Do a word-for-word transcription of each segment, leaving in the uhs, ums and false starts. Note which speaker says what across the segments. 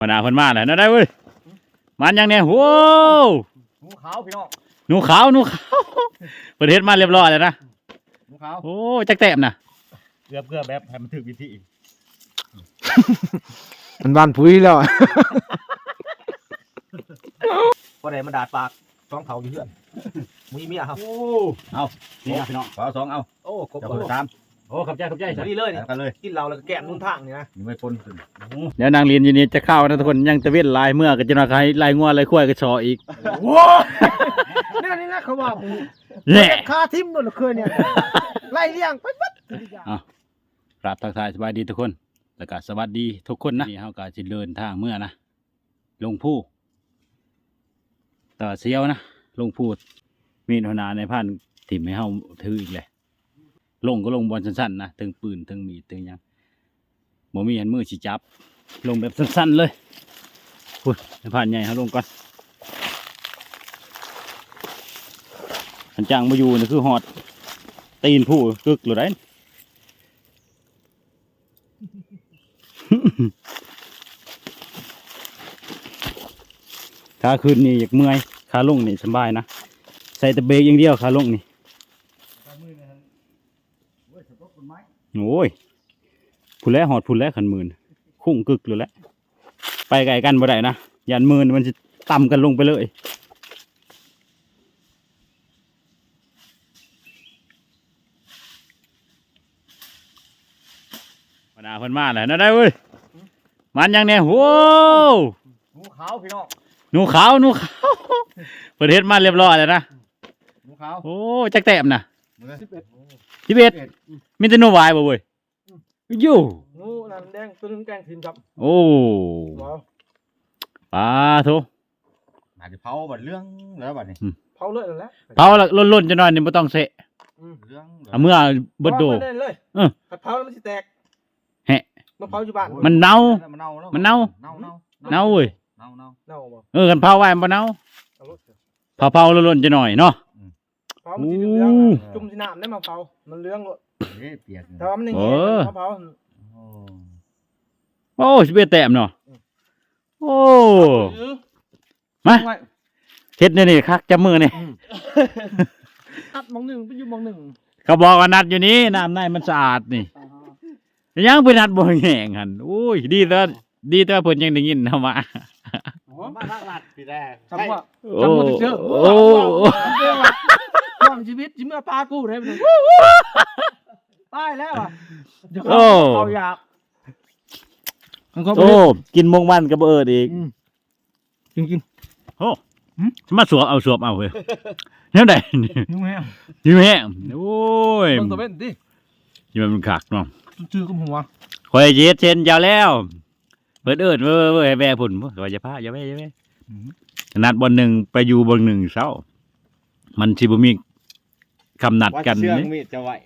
Speaker 1: ปนาเพิ่นมาแล้วนะได้เว้ยมันยังเนี่ยโว้
Speaker 2: หนูขาวพี่น้อง
Speaker 1: หนูขาวหนูขาวประเทศมาเรียบร้อยแล้วนะ
Speaker 2: หนูขาว
Speaker 1: โอ้จักแต้มนะ
Speaker 2: เกือบเกือบแบบให้มันถึกวิธี
Speaker 3: มันบานพุ้ยแล้ว
Speaker 2: พอได้มันดาดปากสองเผาอยู่เพื่อนมีเมียครับ
Speaker 1: โอ้เอานี่นะพี่น้องขอสองเอา
Speaker 2: โอ้ครบ
Speaker 1: สามโอ้ขับใจขับใจ
Speaker 2: นี่เลย
Speaker 1: กันเลย
Speaker 2: กินเราแล้วก็แกะนุ่นทางนี่นะ
Speaker 1: ยังไม่พ้นเดี๋ยวนางเรียนอยู่นี่จะเข้านะทุกคนยังตะเวนลายเมื่อก็จะนาใครลายงัวลายควายก็ชออีก
Speaker 2: ว้านี่นี่นะเขาบอก
Speaker 1: เนี่ย
Speaker 2: คาทิมโดนเคยเนี่ยไล่เลี้ยงไปปั๊บ
Speaker 1: อ่ะกราบทักทายสบายดีทุกคนแล้วก็สวัสดีทุกคนนะนี่เฮาก็สิเดินทางเมื่อนะลงผู้ต่อเสียวนะลงพูดมีหนาในพันถิ่มให้เฮาถืออีกเลยลงก็ลงบอลสั้นๆนะถึงปืนถึงมีดถึงยังบ่มีอันมือสิจับลงแบบสั้นๆเลยพูดในพันใหญ่เขาลงก่อนอันจังมาอยู่นี่คือหอดตีนผู้กึกหรือไรขาขึ้นนี่อยากเมื่อยขาลงนี่สบายนะใส่แต่เบรกอย่างเดียวขาลงนี่โอ้ยพูดแล้วหอดพูดแล้วขันหมื่นคุ้งกึกเลยแหละไปไกลกันบ่ได้นะยันหมื่นมันจะต่ำกันลงไปเลยปนาเพิ่นมาแล้วนะได้เว้ยมันยังเนี่ยโว้
Speaker 2: หนูขาวพี่น้อง
Speaker 1: หนูขาวหนูขาวประเทศมาเรียบร้อยแล้วนะ
Speaker 2: หนูขาว
Speaker 1: โอ้จักแต้มนะ
Speaker 2: สิบเอ็ด
Speaker 1: สิบเอ็ดมีแต่หนูวายบ่เว้ยอยู่
Speaker 2: หนูนั่นแดงตัวนึงแกงทีมจับ
Speaker 1: โอ้ปลาทุ
Speaker 2: อาจจะเผาบัดเรื่องแล้วบัดนี้เผาเลยแล้ว
Speaker 1: เผาละล้นๆจะหน่อยนี่ไม่ต้องเสะ
Speaker 2: เรื่อง
Speaker 1: เอาเมื่อเบิดโด
Speaker 2: เลยเออเผาแล้วมันสิแตก
Speaker 1: แฮะ
Speaker 2: มันเผาอยู่บ้าน
Speaker 1: มันเน่ามันเน่า
Speaker 2: เน่า
Speaker 1: เน่าเว้ย
Speaker 2: เน่าเน่าเน่าบ่
Speaker 1: เออกันเผาไว้มันเน่าเผาเผาล้นๆจะหน่อยเนาะ
Speaker 2: เผามันสิเรื่องจุ่มสิน้ำได้มาเผามันเรื่องเปียกแต่ว่ามันอย่างงี้เผา
Speaker 1: โอ้สิบเอ็ดแต้มเนาะโอ้มาเฮ็ดเนี่ยนี่คักจับมือนี่
Speaker 2: นัดมองหนึ่งไปอยู่มองหนึ่ง
Speaker 1: เขาบอกว่านัดอยู่นี้น้ำในมันสะอาดนี่ยังไปนัดบ่แห้งหันโอ้ยดีแล้วดีแต่เพิ่นยังได้ยินเฮามา
Speaker 2: มาทางลัดพี่แรกจำว่า
Speaker 1: จำบ่เจอโอ้
Speaker 2: ความชีวิตจิเมื่อปลากูได้บ่ตายแล้วอ่ะเดี๋ยวเขาอยาก
Speaker 1: โอ้กินมงมันกับเอิดอีก
Speaker 2: จริงจริง
Speaker 1: โอ้มาสวบเอาสวบเอาเว้ยเนี่ยไหน
Speaker 2: ยิ้มแห้ง
Speaker 1: ยิ้มแห้งโอ้ย
Speaker 2: มันตัวเป็นดิ
Speaker 1: ยิ้มมันขักเนาะ
Speaker 2: ชื่อกับหัว
Speaker 1: คอยเย็ดเชนยาวแล้วเปิดเอิดเว้ยเว้ยแม่ผุนว่าจะพาอย่าแม่อย่าแม่นัดบนหนึ่งไปอยู่บนหนึ่งเศร้ามันชิบุมีคำนัดกันนี่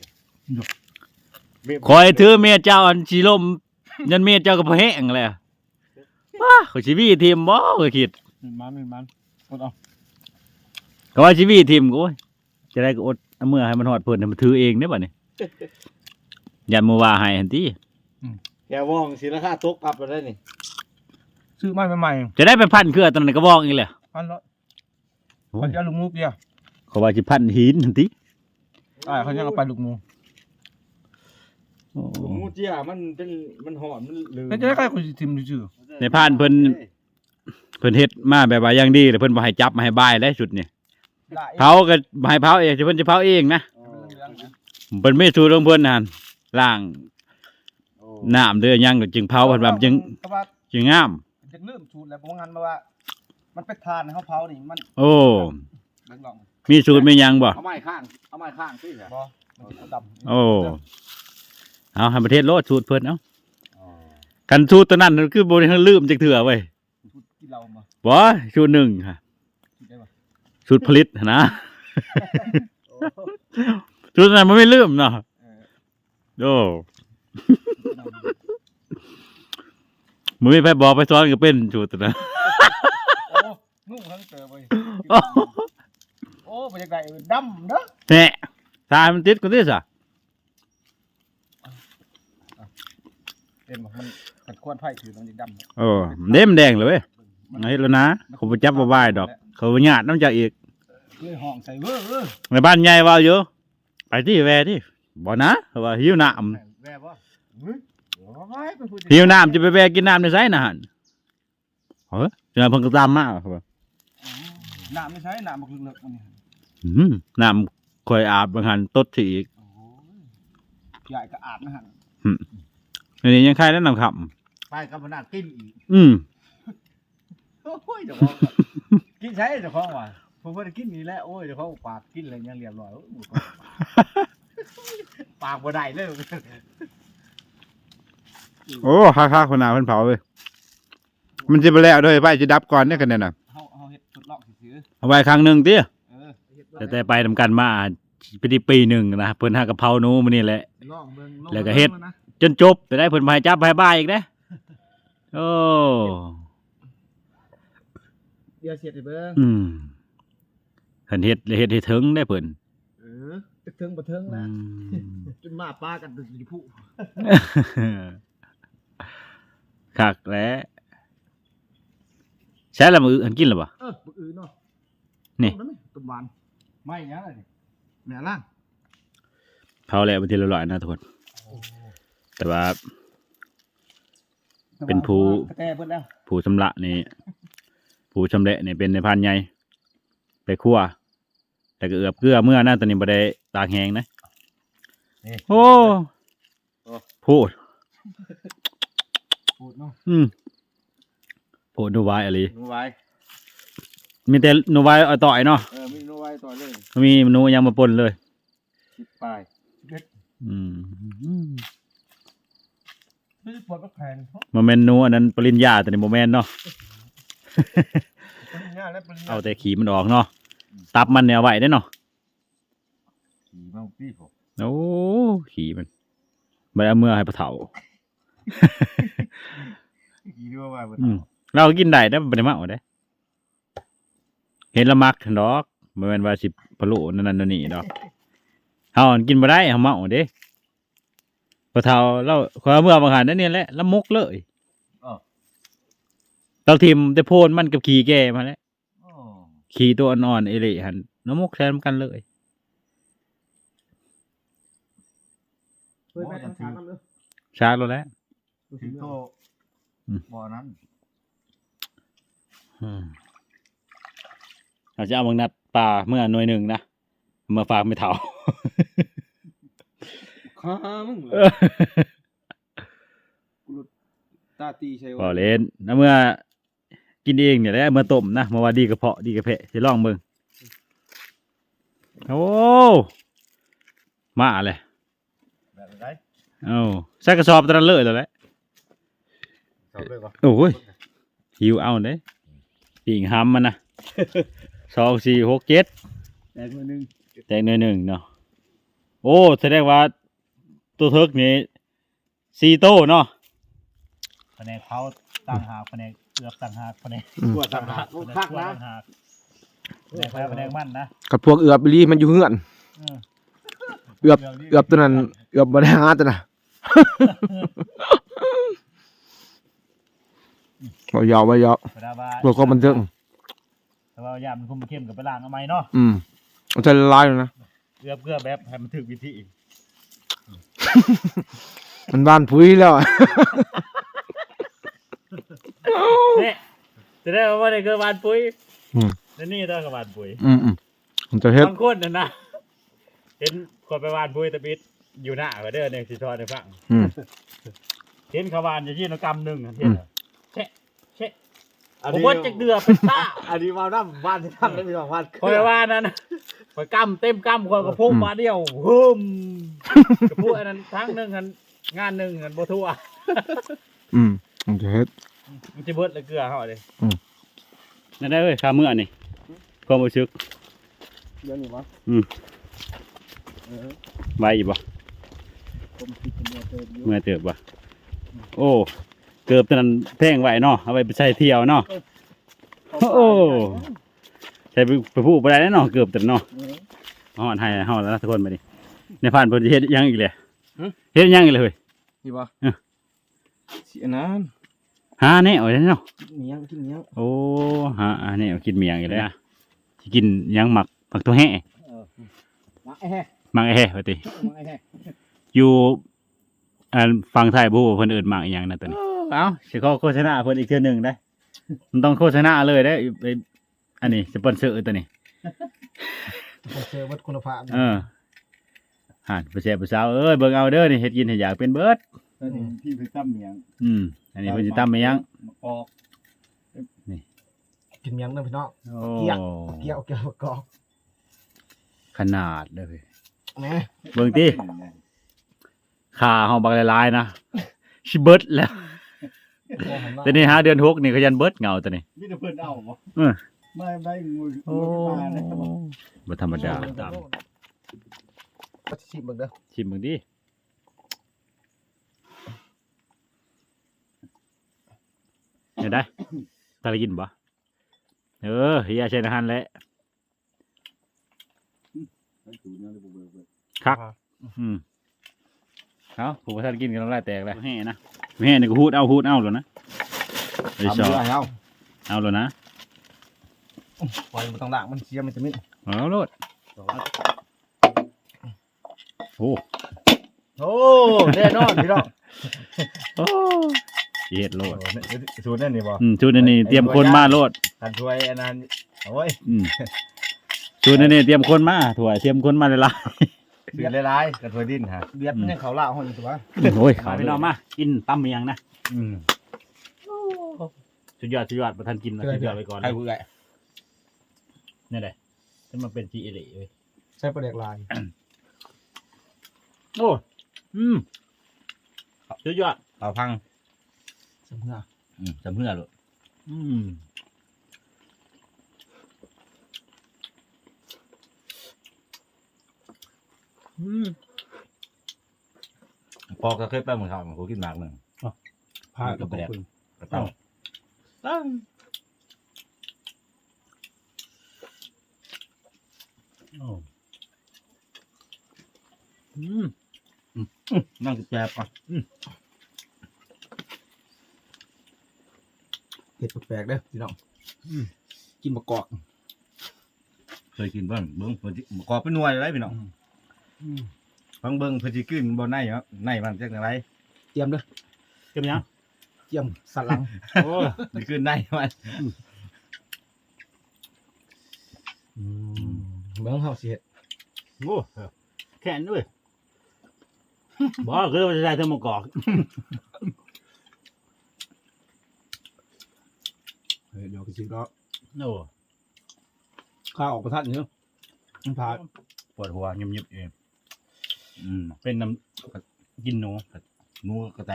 Speaker 1: คอยถือเมียเจ้าอันชีลมยันเมียเจ้ากับแห้งเลยว้าเขาชีวีทีมบ่เคยคิด
Speaker 2: มันมันอดเอา
Speaker 1: เขาว่าชีวีทีมกูจะได้ก็อดเมื่อให้มันหอดเพิ่นมันถือเองเนี่ยบ่เนี่ยยันมือว่าให้ทันที
Speaker 2: แกว่องศิลค่าตกอับไปได้นี่ซื้อไม้ใหม่
Speaker 1: จะได้ไปพันเครือตอนนั้นก็ว่องอีกเลย
Speaker 2: พันละพันจะลูกมูกเดียว
Speaker 1: เขาว่าจะพันหินทันที
Speaker 2: อ่าเขายังเอาไปลูกมูมูเจียมันเป็นมันหอนมันลืมจะได้ใครคนทิมชื่อ
Speaker 1: ในพานเพิ่นเพิ่นเฮ็ดมาแบบว่าอย่างดีเลยเพิ่นบ่ให้จับมาให้บายได้สุดนี่เผาก็บ่ให้เผาเองเพิ่นจะเผาเองนะเพิ่นไม่สูตรของเพิ่นนั่นล้างน้ำเด้อยังจึงเผาเพิ่นว่าจึงจึงงาม
Speaker 2: จึงลืมสูตรแล้วบ่งั้นว่ามันเป็นทานเฮาเผานี่มัน
Speaker 1: โอ้มีสูตรมียังบ่
Speaker 2: เอาไม้ข้างเอาไม้ข้างสิบ่
Speaker 1: โอ้เอาให้ประเทศโลดสูตรเพิ่นเนาะกันสูตรตัวนั้นคือบ่ได้ลืมจักเถื่อเว้ยบ่สูตรหนึ่งค่ะสูตรผลิตนะสูตรนั้นมันไม่ลืมเนาะโอ้มึงไม่ไปบอกไปซ้อนก็เป็นสูตรนะ
Speaker 2: นุ่งทั้งเต๋อไปโอ้บรรยากาศดำเนาะ
Speaker 1: แหน่ตามันติดกันดิสะ
Speaker 2: เอ็มมันขัดควนไผ่ถือมันยังดำ
Speaker 1: โอ้เด้มนแดงเลยเว้ยเฮ็ดแล้วนะเขาบ่จับบ่บายดอก เขาบ่ญาติน้ำจากอีก
Speaker 2: เลยห้องใส่เว้อเออ
Speaker 1: ในบ้านใหญ่ว่าอยู่ไปที่แวที่บ่นะเขาว่าหิวน้ำ
Speaker 2: แว่บ่เฮ้ยโอ้ยเป็นผู้
Speaker 1: หิวน้ำจะไปแวกินน้ำในไสน่ะหั่นเฮ้ยเจอเพิ่นก็ตามมาครับว่า
Speaker 2: น้ำไม่ใช่น้ำบักเลิกๆมันนี่
Speaker 1: อืมน้ำข่อยอาบบางหันตดสิอีก
Speaker 2: โอ้ยใหญ่ก็อาบนะฮะ
Speaker 1: อันนี้ยังใครแนะนำครับ
Speaker 2: ไปกับพนักกินอีก
Speaker 1: อืม
Speaker 2: โอ้ยเดี๋ยวของกินใช้เดี๋ยวของว่ะผมว่ากินนี่แหละโอ้ยเดี๋ยวของปากกินอะไรยังเรียบร้อยโอ้ยปากบ่ได้เลย
Speaker 1: โอ้ค่าๆคนหนาเพิ่นเผาเว้ยมันสิบ่แล้วเด้อไปสิดับก่อนเด้อกันเนี่ยน่ะ
Speaker 2: เฮาเฮาเฮ็ดทดลองซื่อ
Speaker 1: เอาไว้ครั้งหนึงติ
Speaker 2: ๆเออเฮ็ด
Speaker 1: แต่แต่ไปทำกันมาปีที่ปีหนึ่งนะเพิ่นหากะเพราหนูมื้อนี้แหละ
Speaker 2: ลองเบิ่งอง
Speaker 1: แล้วก็เฮ็ด
Speaker 2: บิ่งนะ
Speaker 1: จนจบไปได้เพิ่นมาให้จับให้บ้ายอีกเด้โอ้
Speaker 2: เดี๋ยวเสียดให้เบิ่ง
Speaker 1: อืมเพิ่นเฮ็ดเลยเฮ็ดให้ถึงได้เพิ่น
Speaker 2: เออตึกถึงบ่ถึง
Speaker 1: อื
Speaker 2: นะ
Speaker 1: ม
Speaker 2: จนมาปากันตึกอยู่ผู้
Speaker 1: คักแล้วใช้ละมืออันกินหรือเปล่า
Speaker 2: เออบ่อื่นเนาะ
Speaker 1: นี่
Speaker 2: เอาได้ไหมตุ่มหวานไม่หยังเลยนี่แม่ล่าง
Speaker 1: เผาแล้วเป็นที่เรียบร้อยนะทุกคน แต่ว่า เป็นผู้
Speaker 2: กระแตเบิดแล้ว
Speaker 1: ผู้ชำระนี่ผู้ชำเละนี่เป็นในพานใหญ่ไปคั่วแต่ก็เอือบเกลือเมื่อนะตอนนี้บ่ได้ตากแห้งนะ
Speaker 2: นี่
Speaker 1: โอ้พูด
Speaker 2: พูดเนาะ
Speaker 1: อืมพูดดูไว้อะไร
Speaker 2: หนูไว้
Speaker 1: มีแต่หนูไว้เอาต่อยเนาะ
Speaker 2: เออมีหนูไว้ต่อเลย
Speaker 1: มีหนูยังมาปนเลย
Speaker 2: สิบปลายสิบเอ็ด
Speaker 1: อืม
Speaker 2: ไม่ได้ปวดก็แพง
Speaker 1: มาเมนหนูอันนั้นปริญญาแต่นี่โมเมนเนาะ
Speaker 2: ปริญญาและปริญญา
Speaker 1: เอาแต่ขีมันออกเนาะตับมันเนี่ยเอาไว้ได้เนาะ
Speaker 2: ขี่มาพี่ผม
Speaker 1: โอ้ขีมันไม่เอาเมื่อให้ปะเถา
Speaker 2: ขี่ด้วยว่า
Speaker 1: อืมเรากินได้ได้ไม่ได้มาเอาได้ เห็นละมักดอกบ่แม่นว่าสิพะโล้นั่นนั่นนี่ดอกเฮากินบ่ได้เฮาเมาเด้ปะเฒ่าเราขอเมื่อบางหันนั่นนี่แหละละมกเลยเราทิ่มแต่โพนมันกับขี้แก่มาแล้วขี้ตัวอ่อนๆเอเละหั่นละมกแทนกันเลย
Speaker 2: เฮ้ยแม่ทำช้ากันเลย
Speaker 1: ชาแล้วแหละ
Speaker 2: ถึงโตบ่อนั้น
Speaker 1: อืมเราจะเอาบางนัดปลาเมื่อหน่วยหนึ่งนะมาฝากไม่เฒ่า
Speaker 2: ข้ามึงตาตีใช่
Speaker 1: บ่เล่นนะเมื่อกินเองเนี่ยแหละเมื่อต้มนะเมื่อว่าดีกระเพาะดีกระเพะสิลองเบิ่งโอ้มาเลย
Speaker 2: แบบไร
Speaker 1: เอ้าใส่กระสอบตะนั้นเลยแล้วแหละ
Speaker 2: ชอบเลยปะ
Speaker 1: โอ้ยหิวเอาเด้ปิ่งหำมันนะ สองสี่หกเจ็ด
Speaker 2: แต่มือนึง
Speaker 1: แตงหน่อยหนึ่งเนาะโอ้แสดงว่าตัวเทิกนี่สี่โต้เนาะ
Speaker 3: แผนกเผาต่างหากแผนกเกือบต่างหากแผนก
Speaker 2: ปวดสังหาร
Speaker 3: แผนก
Speaker 2: คัก
Speaker 3: ตัว
Speaker 2: นะ
Speaker 3: ต่างหากแผนกแพ้แผนกมั่นนะ
Speaker 4: กับพวกเอือบอีหลีมันอยู่เฮือน
Speaker 3: เออ
Speaker 4: เอือบเอือบตัวนั้นเอือบบ่ได้หาตัวน่ะ บ่ยาวบ่ยาว
Speaker 3: เวลาว่า
Speaker 4: เพื่อความบันเทิง
Speaker 3: แต่ว่ายามมันคุมเข้มกับไปล้างเอาไหมเนาะ
Speaker 4: อืมมันจะละลายเลยนะ
Speaker 3: เกือบเกือบแบบให้มันถึกวิธี
Speaker 4: มันบ้านพุ้ยแล้วอะ
Speaker 3: เนี่ยจะได้ว่าในเกิดวานปุ๋ย
Speaker 4: อืม
Speaker 3: แล้วนี่ต้องกับวานปุ๋ย
Speaker 4: อืมอืมมันจะเฮ็ด
Speaker 3: บางคนน่ะนะเห็นคนไปวานปุ๋ยตะบิดอยู่หน้าก็เด้อเนี่ยสิทอดให้ฟัง
Speaker 4: อืม
Speaker 3: เห็นเขาวานอยู่ที่นกรรมหนึ่งเห็นเหรอเชะเชะผมว่าจะเดือเป็นต้า
Speaker 2: อันนี้มาด้านบ้านที่ทำได้มีสองวัน
Speaker 3: คอยว่านั้นคอยกำเต็มกำคอยกระพุ่งมาเดียวฮึมกระพุ่งอันนั้นทั้งหนึ่งหันงานหนึ่งหันโบทัว
Speaker 4: อืมมันจะเฮ็ด
Speaker 3: มันจะเบิดเลยเกลือเขาเลย
Speaker 1: นั่นได้เว้ยข้าเมื่อนี่ความรู้สึก
Speaker 2: เดี๋ยวนี้วะ
Speaker 1: ไว้อยู่บ่
Speaker 2: ผมคิดเป็นเดือนเติมอยู่
Speaker 1: เมื่อเติบบ่โอ้เกือบตอนนั้นแพงไว้เนาะเอาไปใช้เที่ยวเนาะโอ้ใช้ไปไปพูดบ่ได้แน่เนาะเกือบตอนเนาะฮอดให้ฮอดแล้วนะทุกคนบัดนี้ในผ่านเพิ่นสิเฮ็ดหยังอีกเลยเฮ็ดหยังอีกเลยเฮ้ย
Speaker 2: นี่ปะ
Speaker 3: สิอันนั้น
Speaker 1: หาแนวเลยเนาะ
Speaker 3: เมียงกินเมียง
Speaker 1: โอ้หาอันนี้กินเมียงอยู่เลยนะสิกินหยังหมักหมักตัวแห่
Speaker 3: เออมาไอ้แฮ่
Speaker 1: หมักไอ้แห่ว่าติ
Speaker 3: มาไอ้แฮ่
Speaker 1: อยู่อันฟังไทยบ่ฮู้ว่าเพิ่นเอิ้นหมักอีหยังนะตัวนี้เอ้าสิขอโฆษณาเพิ่นอีกเทื่อหนึงได้มันต้องโฆษณาเลยได้ไอ้อันนี้สปอนเซอร์ตัวนี้
Speaker 2: เจอวัดคุณภาพ
Speaker 1: เออห่านผู้แซ่บผู้สาวเอ้ยเบิ่งเอาเด้อนี่เฮ็ดกินให้อยากเป็นเบิด
Speaker 3: ตัวนี้พี่ไปตั้มเมียง
Speaker 1: อืมอันนี้เพิ่นสิตำไปยัง
Speaker 3: มะกอก
Speaker 2: กินเมียงเด้อพี่น้อง
Speaker 1: โอ้
Speaker 2: เกี่ยว เกี่ยวเกี่ยวประกอบ
Speaker 1: ขนาดเด้อเว้ย
Speaker 2: แหม่
Speaker 1: เบิ่งติขาเฮาบักหลายๆนะสิเบิดแล้วแต่นี่หาเดือนหกนี่ก็ยันเบิดเงาตัวนี้
Speaker 3: มีแต่เพิ่นเอาบ่
Speaker 1: เออ
Speaker 3: ไม่ไม่งู
Speaker 1: โอ้
Speaker 3: งูมาเลย
Speaker 1: บ่ธรรมดาตาม
Speaker 2: ก็ชิมเบิ่งเด้อ
Speaker 1: ชิมเบิ่งดิเห็นได้ตาได้กินบ่เออเฮียใช้อาหารแหละคักอืมเอาผมว่าท่านกินกันน้ำลายแตกเลยแห่นะแห่นี่ก็ฮูดเอาฮูดเอาแล้วนะไอ้ชอบ
Speaker 2: เอา
Speaker 1: เอาแล้วนะ
Speaker 2: ปล่อยมันต้องล้างมันเสียมันจะมิด
Speaker 1: เอาโลดโอ้
Speaker 3: โอ้แน่นอนพี่น้อง
Speaker 1: โอ้เฮ็ดโลด
Speaker 3: สูตรนั่นนี่บ่
Speaker 1: อืมชุดอันนี้เตรียมคนมาโลด
Speaker 3: กันถ้วยอันนั้นโอ้ย
Speaker 1: อืมชุดอันนี้เตรียมคนมาถั่วเตรียมคนมาเลยล่ะ
Speaker 3: สูตรหลายๆกันถ้วยดินฮะ
Speaker 2: เบียดมันยังเขาล่าห้องอยู่ตัว
Speaker 1: โอ้ยขาพี่น้องมากินตำเมียงนะ
Speaker 3: อืม
Speaker 1: สุดยอดสุดยอดประทานกินนะสุดยอดไปก่อน
Speaker 3: ใครเบื่อ
Speaker 1: นี่แหละจะมาเป็นจีเอเล่เว้ย
Speaker 2: ใช้ประเด็กลาย
Speaker 1: โอ้อืมสุดยอด
Speaker 3: เอาพัง
Speaker 2: สมเพื่อ
Speaker 3: อืมจำเพื่อลูก
Speaker 1: อืม
Speaker 2: อืม
Speaker 3: พอก็เคยไปเหมือนเขาผมกินหมากหนึ่ง
Speaker 2: พากับประเด็ก
Speaker 3: กระเต้า
Speaker 1: ตั้งโอ้อืม
Speaker 3: นั่งแจบอ่ะ
Speaker 2: เห็ดแปลกๆเด้อพี่น้องกินมะกอก
Speaker 3: เคยกินเบิ้งเบิ้งเพิ่นสิกอบเป็นหน่วยอะไรพี่น้องฟังเบิ้งเพิ่นสิกินบ่ในเหรอในมันจักจังไร
Speaker 2: เตรียมเด้อ
Speaker 1: เก็บยัง
Speaker 2: เตรียมสันหลัง
Speaker 1: โอ้
Speaker 3: สิกินในมัน
Speaker 2: เบิ่งเฮาสิเฮ็ด
Speaker 1: โหแค่นด้วยบอกคือว่าจะได้เธอมากอก
Speaker 2: เฮ้ยเดี๋ยวก็สิก็
Speaker 1: โอ้
Speaker 2: ข้าออกประทัดนี่เนาะมันพา
Speaker 1: ปวดหัวเงียบๆเอง
Speaker 3: อืม
Speaker 1: เป็นน้ำกินหนู
Speaker 3: หนูกระแต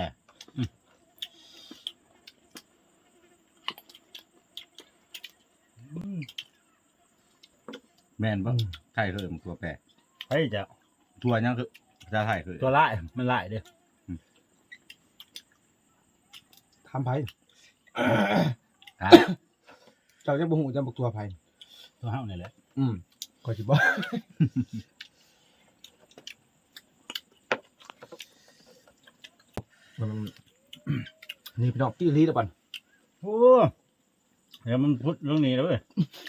Speaker 3: แม่นบ่ไทยเคยมันตัวแปร
Speaker 1: เฮ้ยจะ
Speaker 3: ตัวยังคือภาษาไทยคือ
Speaker 1: ตัวไล่มันไล่เด้อ
Speaker 2: ทำไผ
Speaker 3: ฮะ
Speaker 2: เจ้าจะบ่ฮู้จะบอกตัวไผ
Speaker 1: ตัวเฮานี่แหละ
Speaker 2: อืมก็สิบ่มันนี่พี่น้องตีลีแล้วปัน
Speaker 1: โอ้เดี๋ยวมันพุดเรื่องนี้แล้วเว้ย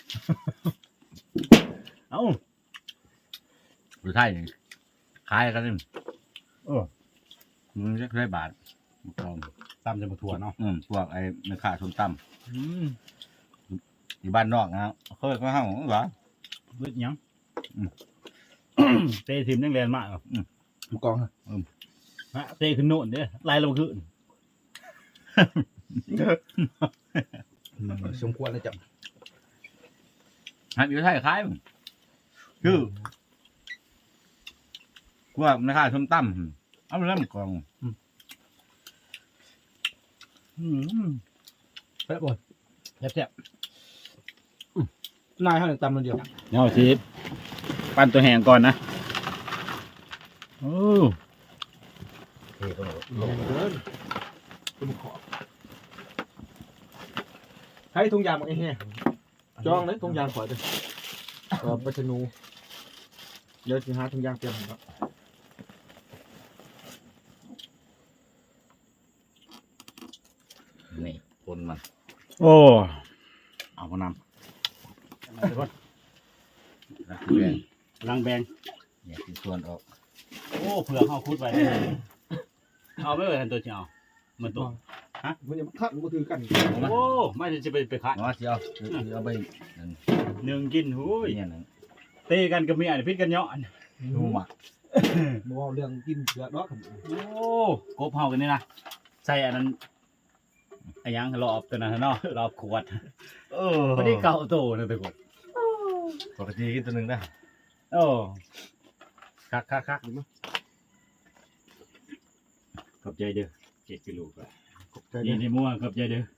Speaker 1: เอ้า
Speaker 3: ภาษาไทยนี่คล้ายกันนี่
Speaker 1: โอ้
Speaker 3: มันจะได้บาทมันกอง
Speaker 1: ตามจะมาถั่วเนาะ
Speaker 3: อืมพวกไอ้แม่ค้าส้มต
Speaker 1: อืม
Speaker 3: ำอยู่บ้านนอกนะครับเคยมาห้องเหรอ
Speaker 1: เวทหยัง
Speaker 3: อืม
Speaker 1: เตะทีมยังแรงมากอ่ะ
Speaker 2: หมูกองฮะ
Speaker 1: ฮะเตะขึ้นโน่นเด้อไล่ลงขึ้น
Speaker 2: สมควรเลยจับ
Speaker 3: ฮัทอยู่ไทยคล้ายมั้งคือพวกแม่ค้าส้มตำเอาไปแล้วมันกอง
Speaker 1: อืม
Speaker 2: แป๊บบ่
Speaker 1: แซ่บ
Speaker 2: นายเฮานี่ตำมันเดียว
Speaker 1: ๆเดี๋ยวสิปั้นตัวแห้งก่อนนะโอ้
Speaker 2: ลงเดินตุ้มขอให้ทุงยางมาไอ้แห้จองเลยทุงยางขอเด้อเออบัชนูเดี๋ยวสิหาทุงยางเตรียมให้ครับ
Speaker 1: โอ้
Speaker 3: เอามาน
Speaker 1: ทุกคน
Speaker 3: ำรักแบง
Speaker 1: ลังแบง
Speaker 3: เนี่ยคือส่วนออก
Speaker 1: โอ้เผื่อเขาคุดไว้เอาไม่เลยทันตัวเชียวมันตัว
Speaker 2: มันจะคัดมันถือกัน
Speaker 1: โอ้ไม่จะไปไปขัด
Speaker 3: เนาะสิเอาสิเอาไปนั่น
Speaker 1: หนึ่งกินหูย
Speaker 3: เนี่ยนั่น
Speaker 1: เตะกันกับเมียนี่พิษกันเนาะ
Speaker 3: ดูหมัก
Speaker 2: บ่เอาเรื่องกินเสือดอก
Speaker 1: โอ้กบเฮากันนี่นะใส่อันนั้นไอ้ยังรอบตัวนั้นเนาะรอบขวด
Speaker 3: เออ
Speaker 1: พอดีเก่าโตนะทุกคน
Speaker 3: ปกติกินตัวหนึงได้
Speaker 1: โอ้คักคักคักขอบใจเด้อเจ็ดกิโลกว่านี่ในมัวขอบใจเด้อ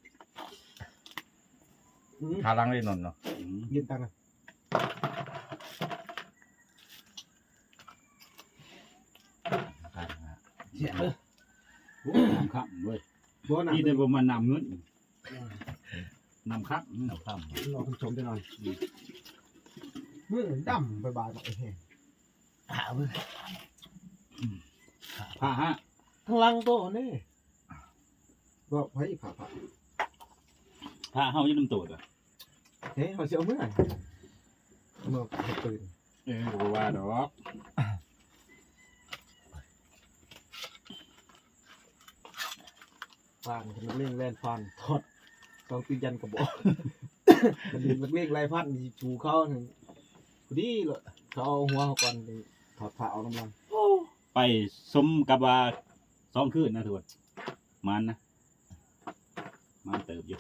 Speaker 3: ทาลังได้นอนเนาะ
Speaker 1: อืม
Speaker 2: ยืนตังค์ เสียเลย
Speaker 1: โอ้น้ำข้ามเว้ย
Speaker 2: บ่น่ะ
Speaker 1: นี่แต่บ่มันน้ำเงินน้ำข้าม
Speaker 3: เอาข้าม
Speaker 2: รอคุณชมจะหน่อยมือดำไปบายบอกไอ้แห้งหามือ
Speaker 1: ผ้าฮะ
Speaker 2: ทั้งลังโตนี่ก็ไผ่ผ่าผ่า
Speaker 1: ผ้าเฮาอยู่น้ำโตดอ่ะ
Speaker 2: เฮ้ยเขาเสียเมื่อเมื่อตื่น
Speaker 1: เออบ่ว่าดอก
Speaker 2: ฟานมันเล่งแล่นฟานทอดสองตียันกระบอกมันมันเล่งไรพันมีชูเขาหนึ่งพอดีเลยเขาเอาหัวเขาก่อนถอดผ้าเอาน้ำลัง
Speaker 1: ไปสมกับว่าสองคืนนะทุกคนมันนะมันเติบอยู่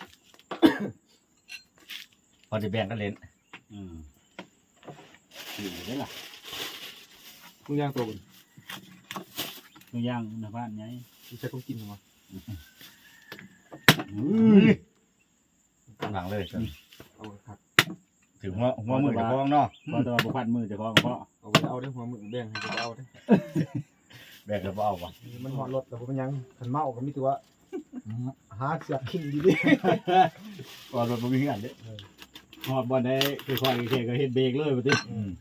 Speaker 3: พอจะแบ่งกันเล่น
Speaker 1: อืมอยู่ได้ล่ะ
Speaker 2: มึงย่างตัวมัน
Speaker 1: ตัวอย่างนะบ้านไง
Speaker 2: มึงใช้ต้องกินหรอ
Speaker 3: กำลังเลย
Speaker 2: เอาครับ
Speaker 3: ถึงหัวหัวมือจะฟ้องเนาะ
Speaker 1: พอตัวบุพันมือจะคล้องเพราะ
Speaker 2: เอาไว้เอาได้หัวมึงแบ่งให้เอาได้
Speaker 3: แบ่งแล้วบ่เอาวะ
Speaker 2: มันหอดรถแต่ผมยังขันเมาก็มีตัวหาเสือขิงดีดิ
Speaker 1: ก่อนรถบ่มีเงินเด้หอดบอลได้คือคอยเคก็เฮ็ดเบรกเลยบ่ติ
Speaker 3: อืม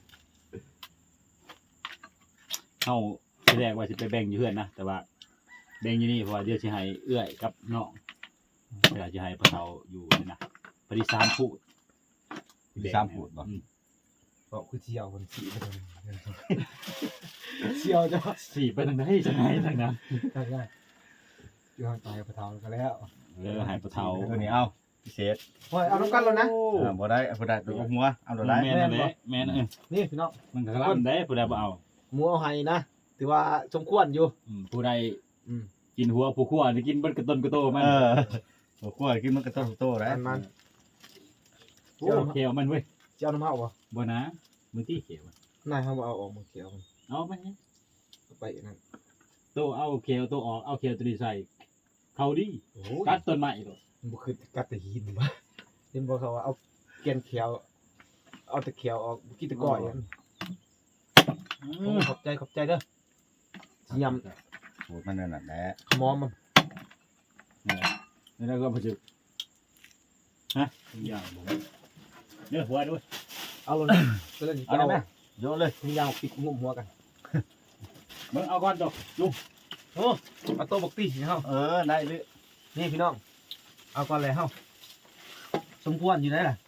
Speaker 1: เฮาที่แรกว่าสิไปแบ่งอยู่เฮือนนะแต่ว่าแบ่งอยู่นี่เพราะว่าเดี๋ยวสิให้เอื้อยกับน้องเดี๋ยวสิให้พ่อเฒ่าอยู่นี่นะพอดีสามพูด
Speaker 3: มีสามพูดบ่
Speaker 1: อืม
Speaker 2: บอกคือเที่ยวคนสีไปเลยเที่ยวจะ
Speaker 1: สี่ไปทางใดจังไดทางนั้น
Speaker 2: ได้ได้อยู่ห่างไกลพระเทาก็แล้ว
Speaker 1: เออให้พ่อเฒ่า
Speaker 3: ตัวนี้เอาพิเศษ
Speaker 2: โอ้ยเอาน้ำกันแล้วนะ
Speaker 3: อ่าบ่ได้บ่ได้ตัวหัวเอาตัวได้
Speaker 1: แม่นนั่นแหละแม่นเออ
Speaker 2: นี่พี่น้อง
Speaker 1: มันก็กลั่นได้ผู้ใดบ่เอา
Speaker 2: หมูเอาให้นะถือว่าสมควรอยู่
Speaker 1: อืมผู้ใด
Speaker 2: อืม
Speaker 1: กินหัวผู้คั่วนี่กินเบิดกระต้นกระโตมัน
Speaker 3: เออหัวขั้วกินมันก็ต้องโตได้
Speaker 2: มันมัน
Speaker 1: โอ้เขียวมันเว้ย
Speaker 2: เจ้าน้ำเมาบ่
Speaker 1: บ่นะมือที่เขียวน
Speaker 2: ายเขาบอกเอาออกมาเขียวมัน
Speaker 1: เอาไปเนี่ย
Speaker 2: เอาไปนั่น
Speaker 1: โตเอาเขียวโตออกเอาเขียวตัวนี้ใส่เขาดี
Speaker 2: โอ้
Speaker 1: ตัดต้นไม้ตัว
Speaker 2: มันบ่คือกัดแต่หินบ่เห็นบ่เขาว่าเอาเกลียนเขียว เอาแต่เขียวออกบ่กินแต่ก้อยอันโอ้ขอบใจขอบใจเด้อสิยำ
Speaker 3: พูดมันนั่นน่ะแหละ
Speaker 2: ขมอมมัน
Speaker 1: นี่แล้วก็พอจุฮะอย่างผมเนื้อหัวด้วย
Speaker 2: เอาลงนะก็เลย
Speaker 3: เอาได้ไหมโยนเลย
Speaker 2: มียาวปิดงุ่มหัวกัน
Speaker 1: มึงเอาก่อนจบลุง
Speaker 2: โอ้เอาโต๊ะบักตี้สิเฮา
Speaker 3: เออได้เลย
Speaker 2: นี่พี่น้อง เอาก่อนเลยเฮาสมควรอยู่ได้ล่ะ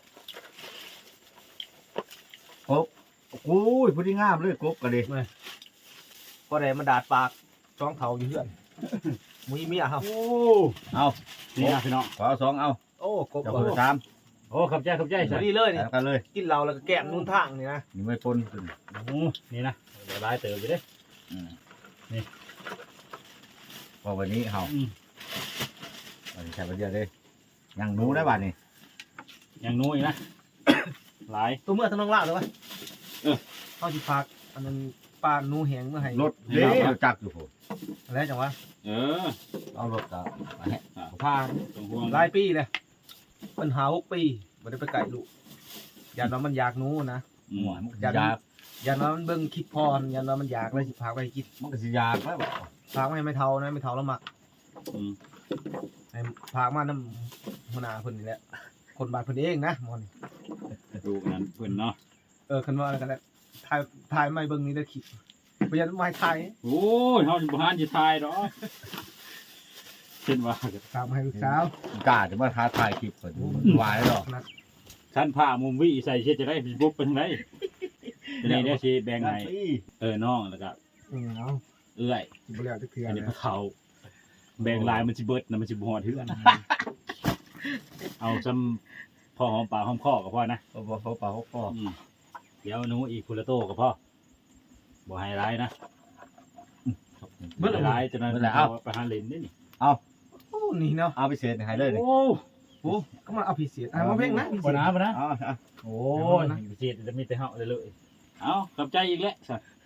Speaker 3: โอ้ยพอดีงามเลยกบก็ดี
Speaker 2: พอได้มาดาดปากจ้องเถาอยู่เพื่อนมุ้ยเมียเฮา
Speaker 1: โอ้
Speaker 3: เอา
Speaker 1: นี่นะพี่น้อง
Speaker 3: ขอเอาสองเอา
Speaker 2: โอ้กบ
Speaker 3: เจ้า
Speaker 2: บ่
Speaker 3: คนละสาม
Speaker 1: โอ้ขับใจขับใจ
Speaker 2: พ
Speaker 1: ใส่
Speaker 2: อดีเลยนี่
Speaker 3: แล้วกันเลย
Speaker 2: กินเหล้าแล้วก็แก้มนู่นทางนี่นะ
Speaker 3: นี่ไม่ปนขึ้น
Speaker 1: โอ้นี่นะเดี๋ยวลายเติมไปเด้
Speaker 3: อืม
Speaker 1: นี่
Speaker 3: พอวันนี้เฮา
Speaker 1: อืม
Speaker 3: วันนี้ใช้ประเดี๋ยวเลยยังหนูได้บ้านนี่
Speaker 1: ยังนู้อีกนะ หลาย
Speaker 2: ตัวเมื่อทั้งน้องล่าเลยวะ
Speaker 1: เออ
Speaker 2: เฮาสิพักอันนั้นปลาหนูแหงเมื่อให้
Speaker 3: รถเด้จักอยู่โห
Speaker 2: อะไรจังวะ
Speaker 1: เออ
Speaker 3: เอารถกับมาให้
Speaker 2: พา
Speaker 1: ตรงห่วง
Speaker 2: หลายปีเลยปัญหาหกปีบ่ได้ไปไก่ลูกยันว่ามันอยากหนูนะ
Speaker 1: อื
Speaker 3: ห
Speaker 1: ม
Speaker 3: มอนมันก็
Speaker 2: ยั
Speaker 3: สิ
Speaker 2: น
Speaker 3: ยาก
Speaker 2: ยันว่ามันเบิ่งคิดพรยันว่ามันอยากเลยสิพาไปกิน
Speaker 3: มันก็สิยากแล้วบ่
Speaker 2: พากไม่ไม่เท่านะไม่เท่าแล้วมัก
Speaker 1: อืม
Speaker 2: ให้พากมาน้ำหัวหน้าเพิ่นนี่แหละคนบ้านเพิ่นเองนะหมอนี่
Speaker 1: ดูกันเพิ่นเนาะ
Speaker 2: เออคันว่าอะไรกันแหละถ่ายถ่ายไม่เบิ่งนี่ได้อคิดบ่ยันไม่ถ่าย
Speaker 1: โอ้ยเฮาสิบ่หานสิทายดอกเช่นว่า
Speaker 2: ตามให้ลูกสาว
Speaker 3: กล้าจะมาท้าทายคลิปเปิดวายหรอก
Speaker 1: ท่านผ้ามุมวิใส่เช็ดจะได้บุ๊บเป็นไงในนี้สิแบ่งให้เออน้องแล้วก็
Speaker 2: อืมเอา
Speaker 1: เอื้อย
Speaker 2: บ่แล้วจะเทื่อ
Speaker 1: อันนี้
Speaker 2: นะ
Speaker 1: พระเขาแบ่งลายมันสิเบิดนะมันสิบ่ฮอดเฮือนเอาซ้ำพอหอมปากหอมคอก็พอนะ
Speaker 3: เขาบอกเขาเปล่าเขาก็
Speaker 1: อืมเดี๋ยวหนูอีกคนละโตก็พอบ่ให้ร้ายนะบ่ให้ร้ายจนนั้นเอาไปหาเล่นนี่นี่
Speaker 2: โอ้นี่เนาะ
Speaker 3: เอาไปเศษให้เลยนี่
Speaker 1: โอ้
Speaker 2: โอ้ก็มาเอาพิเศษอ่ะมาเพ่งนะพิเศ
Speaker 1: บ่
Speaker 2: ษ
Speaker 1: นะบ่นะ
Speaker 3: เอาเอา
Speaker 1: โอ้ยพิเศษจะมีแต่เฮาเลยเลยเอาขอบใจอีกแล้วสัตว์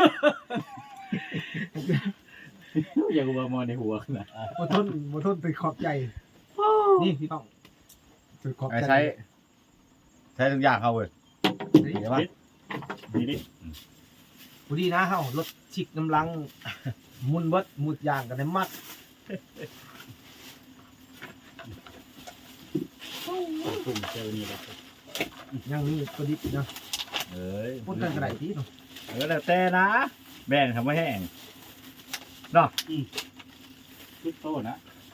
Speaker 1: อย่ากูมามองในหัวนะ
Speaker 2: บ่ทนบ่ทนไปขอบใจนี่พี่ต้องไปขอบ
Speaker 3: ไอ้
Speaker 2: ใจ
Speaker 3: ใช้ใช้ทุกอย่างเขาเว้ยเห็นปะ
Speaker 1: นี่นี่
Speaker 2: พอดีนะเฮารถชิกน้ำลังมุนเบิดมุดยางกันได้มัด
Speaker 1: กลุ่มเซลล์นี่แหละ
Speaker 2: ยังมีพอดีนะ
Speaker 3: เอ้ย
Speaker 2: พูดกันกระไรที่เนาะ
Speaker 3: เออแล้วแต่นะแบ่งทำไม่แห้ง
Speaker 1: ทุกโตนะ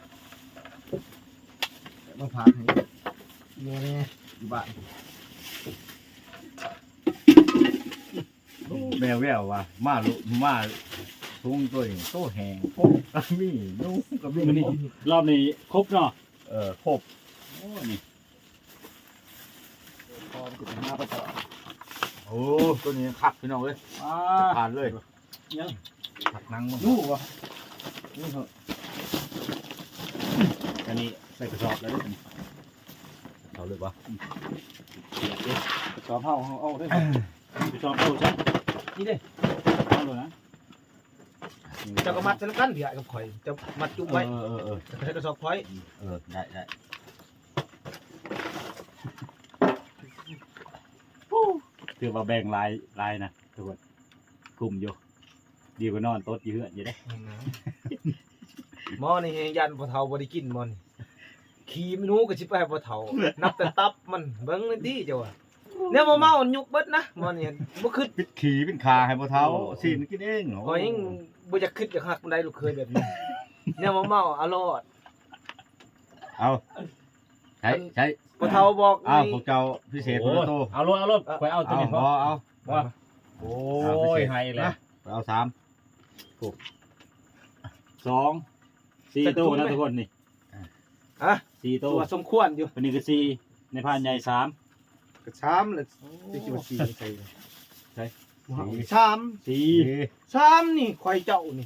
Speaker 2: มาพาให้เนี่ยนี่อยู่บ้าน
Speaker 3: แมวแววว่ะมาลุมาทุ่งตัวนี้โตแห้งโป๊กกระมี่นุ่งกระมี่
Speaker 1: มันนี่รอบนี้ครบเนาะ
Speaker 3: เออครบ
Speaker 1: โอ้นี่
Speaker 2: พอจะมาประกอบ
Speaker 3: โอ้ตัวนี้ขับพี่น้องเลย
Speaker 1: อ่า
Speaker 3: ผ่านเลย
Speaker 1: ยัง
Speaker 3: ขับนั่งมั้ง
Speaker 1: นู่วะนี่เหรออันนี้ใส่กระสอบแล้วด้วย
Speaker 3: เขาเลยปะ
Speaker 1: กระสอบเฮาเฮาเอาได้กระสอบเอาใช่
Speaker 2: นี่เด้
Speaker 1: เอาเลยนะ
Speaker 2: เจ้าก็มัดจะน้ำกันเดี๋ยวกับข่อยจะมัดจุกไว้
Speaker 3: เออเออเออ
Speaker 2: จะให้กระสอบข่อย
Speaker 3: เออได้ได้
Speaker 1: ถือว่าแบ่งลายลายนะทุกคนกลุ่มอยู่ดีกว่านอนโต๊ดอยู่เหือนอยู่ได้
Speaker 2: หมอนี่ยันพอเฒ่าบ่ได้กินหมอนี่ขี้ไม่รู้ก็สิไปให้พอเฒ่านับแต่ตับมันเบิ่งนี่ดีเจ้าว่าเนี่ยบ่เมายุกเบิดนะหมอนี่บ่คิด
Speaker 3: ปิดขี่เป็นขาให้พ่อเท้าสินกินเอง
Speaker 2: ข่อยยังบ่อยากคิดอยากฮักปานใดลูกเคยแบบนี้เนี่ยบ่เมาอรอด
Speaker 3: เอาใช้ใช้
Speaker 2: พอเฒ่าบอก
Speaker 3: อ้าว
Speaker 2: นี่
Speaker 3: พวกเจ้าพิเศษพวกโต
Speaker 1: เอารถเอารถไปเอาตัว
Speaker 3: เอา
Speaker 1: นี้
Speaker 3: พ
Speaker 1: พ
Speaker 3: อ
Speaker 1: อ
Speaker 3: เอา
Speaker 1: ว่าโอ้ยไฮเลย
Speaker 3: เอาสาม
Speaker 1: สองสี่ตู้นะทุกคนนี่
Speaker 2: ฮะ
Speaker 1: สี่
Speaker 2: ตั
Speaker 1: ตู้
Speaker 2: วสมควรอยู่
Speaker 1: วันนี้คือสี่ในพานใหญ่สาม
Speaker 2: กระชามเลยสิคิดว่าสี่ใส่ใช่ชาม
Speaker 1: สี่
Speaker 2: ชามนี่ข่อยเจ้านี่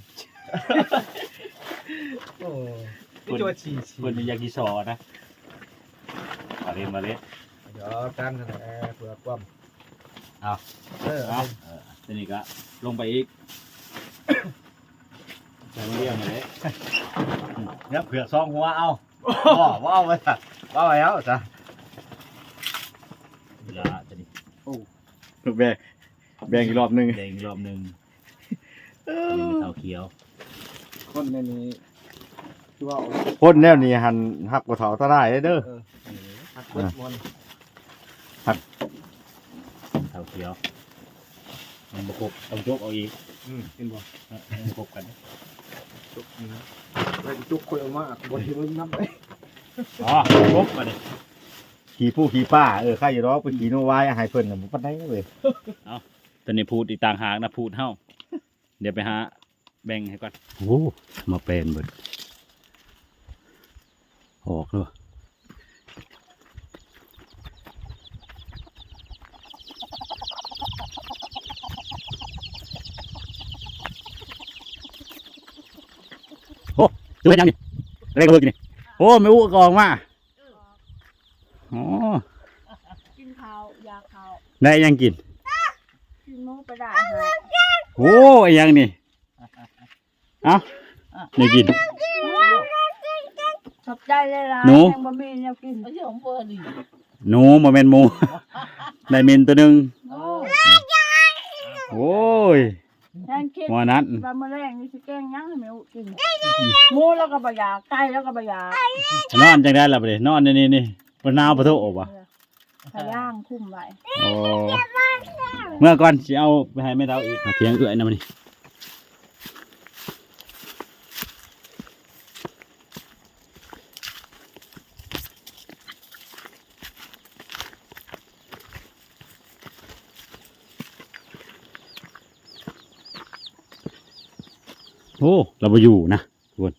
Speaker 2: โอ้นี่จะว่าสี่สี่
Speaker 1: คนนี้ยากิซอนะมาเล่นมาเล่น
Speaker 2: เดี๋ยวกันนั่นแหละเผื่อความ
Speaker 1: เอา
Speaker 2: เออ
Speaker 1: เอาทีนี้ก็ลงไปอีกใส่มาเรียงมาเลย
Speaker 3: เนี่ยเผือกซองหัวเอาว้าวว้าวไปจ้ะว้าวไปแล้วจ้ะ
Speaker 1: เวลาจะนี่
Speaker 4: แบ่งแบ่งอีกรอบหนึง
Speaker 1: แดงอีกรอบหนึ่งนี่เท้าเขียว
Speaker 2: คนในนี้คือว่า
Speaker 4: พ่นแนวนี้หันหักบ่เฒ่าตาได้เด้อ
Speaker 2: หักเบิดมอน
Speaker 1: เท้าเขียวมันประกบต้องยกเอาอีก
Speaker 2: อืมเห็นบ่
Speaker 1: เออมันประกบกัน
Speaker 2: จุกนี่นะไปจุกข่อยออกมาบ่เห็นมันนับไป
Speaker 1: อ๋อครบมาดิ
Speaker 3: ขี่ผู้ขี่ป้าเออใครอยู่รอกไปขี่โนวายให้เพิ่นน่ะบ่ปานใดเลย
Speaker 1: ตอนนี้พูดอีกต่างหากนะพูดเฮ้าเดี๋ยวไปหาแบ่งให้ก่อนโอ้มาเป็นเบิดออกเลยโอ้ตัวเป็นยังนี่อะไรก็เบิกนี่โอ้ไม่อู้กองมาอ๋อ
Speaker 5: กินข้าวยาข้าว
Speaker 1: ได้ยังกิน
Speaker 5: กินหมูไปได้ฮะ
Speaker 1: โอ้ยยังนี่ เอ้านี่กิน
Speaker 5: ขอบใจเลยล่ะ
Speaker 1: หนู
Speaker 5: ยังบ่มีแนวกินไม่ใช่ของเพิ่นดิ
Speaker 1: หนูโมเมนหมู ได้เมนตัวหนึ่ง
Speaker 5: โอ้
Speaker 1: โอ้ย
Speaker 5: ยังคิด
Speaker 1: หมอนั้น
Speaker 5: ว่ามื้อแรงนี่สิแกงหยังให้แม่อุกินหมูแล้วก็บ่อยากไก่แล้วก็บ่อยาก
Speaker 1: นอนจังได้ละประเดี๋ยนอนนี่นี่นี่บนนาวปะโถอบอ่ะ
Speaker 5: ถ้าย่างคุ้มไว้
Speaker 1: โอ้เมื่อก่อนสิเอาไปให้แม่ดาวอีกมาเถียงเอื้อยนะมันนี่โอ้เราไปอยู่นะทุกคน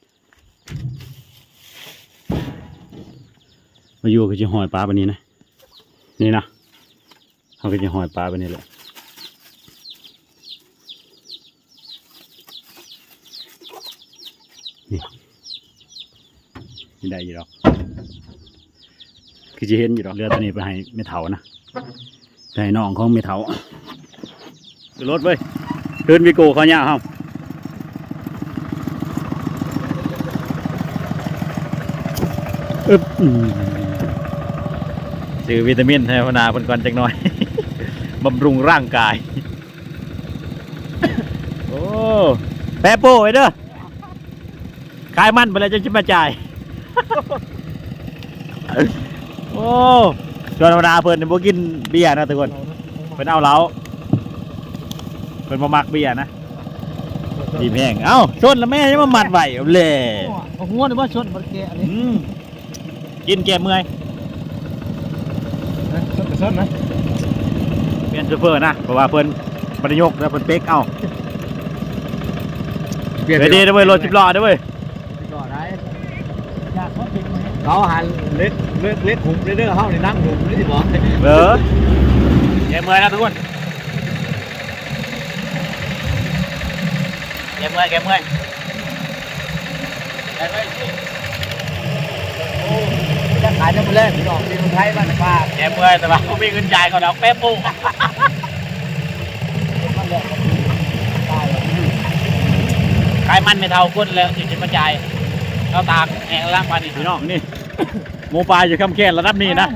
Speaker 1: มาอยู่ก็จะหอยปลาแบบนี้นะนี่นะเขาก็จะหอยปลาแบบนี้แหละนี่นี่ได้อยู่หรอกคือจะเห็นอยู่หรอกเรือตัวนี้ไปให้เมถานะไปให้น้องของเมถาขึ้นรถเว้ยขึ้นวิโก้เขาเนี่ยครับอึ๊บอืมซื้อวิตามินให้พนาเพิ่นก่อนจักหน่อย บำรุงร่างกาย โอ้แปะโป้ไว้เด้อขายมันไปแล้วจะชิมมาจ่าย โอ้ชวนพนาเพิ่นบ่กินเบียร์นะทุกคนเพิ่นเอาเหล้าเพิ่นบ่มักเบียร์นะดีแพงเอ้าชนแล้วแม่ยังมามัดไว้เอาเลย
Speaker 2: เอาหัวนี่ว่าชนบ่แกอันนี้
Speaker 1: อืมกินแก้เมื่อย
Speaker 2: ชนไปชนนะ
Speaker 1: เปลี่ยนโซเฟอร์นะเพราะว่าเพิ่นบรรยกแล้วเพิ่นเป๊กเอาไปดีเด้อเว้ยรถสิบล้อเด้อเว้ย
Speaker 2: ก่อได้อยากเขาเป็นเขาหันเล็กเล็กเล็กหุบเด้อเฮานี่นั่งหุบนี่สิบอก
Speaker 1: เออแก้เมื่อยนะทุกคนแก้เมื่อยแก้เมื่อยแก้เมื่อยสิ
Speaker 2: จะขายน้ำมันแรกพี่น้องที่เมืองไทยบ้านป้า
Speaker 1: แก้เมื่อยแต่ว่าบ่มีเงินจ่ายเขาดอกแป๊บปุ๊
Speaker 2: มันแรกตาย
Speaker 1: ขายมันไม่เท่าคนแล้วสิสิมาจ่ายเอาตากแห้งล้างปานนี่พี่น้องนี่ หมูปลาอยู่คำแค่นระดับนี้นะ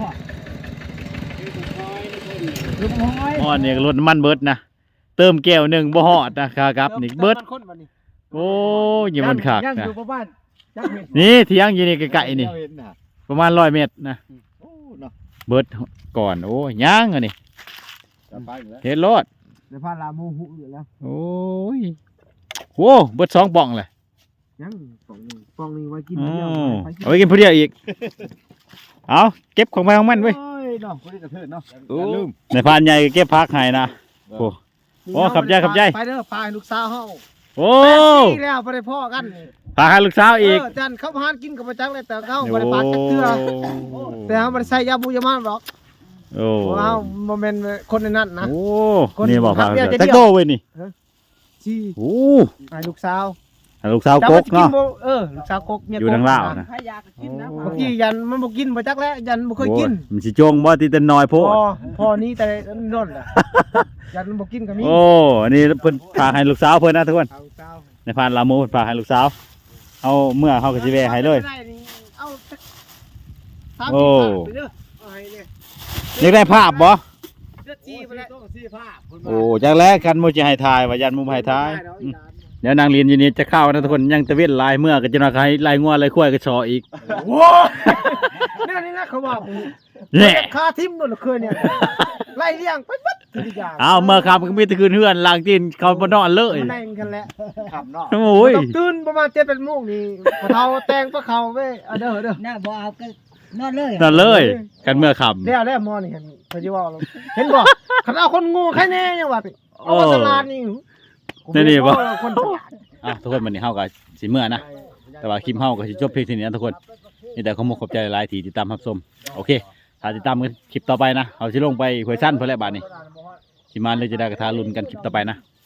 Speaker 2: ลูกน้อย
Speaker 1: อ๋อนี่รถน้ำมันเบิดนะเติมแก้วหนึ่งบ่ฮอดนะครับนี่เบิดโอ้ยอยังมันขาก
Speaker 2: ย่าง
Speaker 1: นะ
Speaker 2: อยู่บ้านจักเห็น
Speaker 1: นี่เที่ยงอยู่นี่ไกลๆนี่
Speaker 2: เห็นน่ะ
Speaker 1: ประมาณร้อยเมตรนะ
Speaker 2: โอ้เนาะ
Speaker 1: เบิดก่อนโอ้ยย่างอันนี้
Speaker 2: จะไปอยู่แล้ว
Speaker 1: เฮ็ดรถ
Speaker 2: เดี๋ยวพาลาโมหุอยู่แล้ว
Speaker 1: โอ้ยโหเบิดสองป่องเลย
Speaker 2: ยังฟองนึงฟองนึงไว้กิน
Speaker 1: อ๋อ
Speaker 2: เดียว
Speaker 1: เอาไว้กินผู้เดียวอีกเอาเก็บของไปของมันเว้ย
Speaker 2: โอ้ยเนาะคนนี้กระเทิดเนาะ
Speaker 1: โอ้ในพานใหญ่ก็เก็บพักให้นะโอ้ โอ้ขับใจขับใจ
Speaker 2: ไปเด้อพาให้ลูกสาวเฮา
Speaker 1: โอ้
Speaker 2: แปดปีแล้วบ่ได้พ่อกัน
Speaker 1: พาให้ลูกสาวอีก
Speaker 2: เจันเข้าพานกินกับประจักเลยแต่เขาบ่ได้ปากจักเทื่อแต่เฮาบ่ได้ใส่ยาบูยามานหรอก
Speaker 1: โอ้
Speaker 2: เพราะว่าเฮาบ่แม่นคนในนั้นนะ
Speaker 1: โอ้
Speaker 2: คน
Speaker 1: นี่บอกพา
Speaker 2: ทำเดียวจะเดียว
Speaker 1: แท็กโตเว้ยนี่
Speaker 2: สิ
Speaker 1: โอ้
Speaker 2: ให้ลูกสาว
Speaker 1: ให้ลูกสาวกก
Speaker 2: จ้ว่
Speaker 1: เนาะ
Speaker 2: สิบ่เออลูกสาวกกเมียกก
Speaker 1: อยู่ทางลาวนะ
Speaker 5: ถ้าอยากกินนะ
Speaker 2: บางทียันมันบ่กินบ่จักแล้วยันบ่เคยกิน
Speaker 1: โอ้มันสิโจงบ่ที่แต่น้อยโพ
Speaker 2: พ่
Speaker 1: ด
Speaker 2: อพ่อนี้แต่นั่นแหละยันมันบ่กินก็มี
Speaker 1: โอ้อันนี้เพิ่นพาให้ลูกสาวเพิ่นนะทุกคน
Speaker 2: เอาลูกสาว
Speaker 1: ในพานลาโมเพิ่นพาให้ลูกสาวเอาเมื่อเฮาก็สิแวะให้เลย
Speaker 2: ได้นี่เอาสักสาม
Speaker 1: โอ้
Speaker 2: สิบบาทไปเด้อเอาให้เนี่ย
Speaker 1: อยากได้ภาพบ่
Speaker 2: เลือดจีไปแล้วต้องซีผ้า
Speaker 1: โอ้จากแรกกันโมจะให้ทายว่ายันมุมให้ทายอืมเดี๋ยวนางเรียนอยู่นี่จะเข้านะทุกคนยังตะเวนลายเมื่อก็จะนาใครลายงัวลายควายก็ชออีก
Speaker 2: โว้ยนี่นี่นะเขาบอก
Speaker 1: แน่
Speaker 2: คาทิมโดนเคยเนี่ยไล่เลี้ยงไปบัดทุกอย่าง
Speaker 1: เอาเมื่อคำก็มีแตะคืนเฮือนลางจีนเขาบ่นอนเลย
Speaker 2: มันได้กันแหละขับเนาะ
Speaker 1: โอ้ย
Speaker 2: ตื่นประมาณเจ็ดเป็นโมงนี่พอเท้าแต่งพระเขาเว้ยเอาเด้อเด้อ
Speaker 5: น่าบ่เอาก็นอนเลย
Speaker 1: นอนเลยกันเมื่อค
Speaker 2: แล้วแล้วมอนี่เห็นเขาจะว่าเราเห็นบ่คันเอาคนงูแค่แน่ยังว่าเอาตลาดนี่
Speaker 1: ำนี่นี่บ่
Speaker 2: คนฉลาด
Speaker 1: อ่ะทุกคนวันนี้เฮาก็สิเมื่อนะแต่ว่าคลิปเฮาก็สิจบเพียงเท่านี้นะทุกคนนี่แต่ขอมขอบใจหลายๆที่ติดตามรับชมโอเคถ้าติดตามกันคลิปต่อไปนะเฮาสิลงไปห้วยสั้นเพิ่นแหละบาดนี้สิมาเลยจะได้กระทาลุ้นกันคลิปต่อไปนะ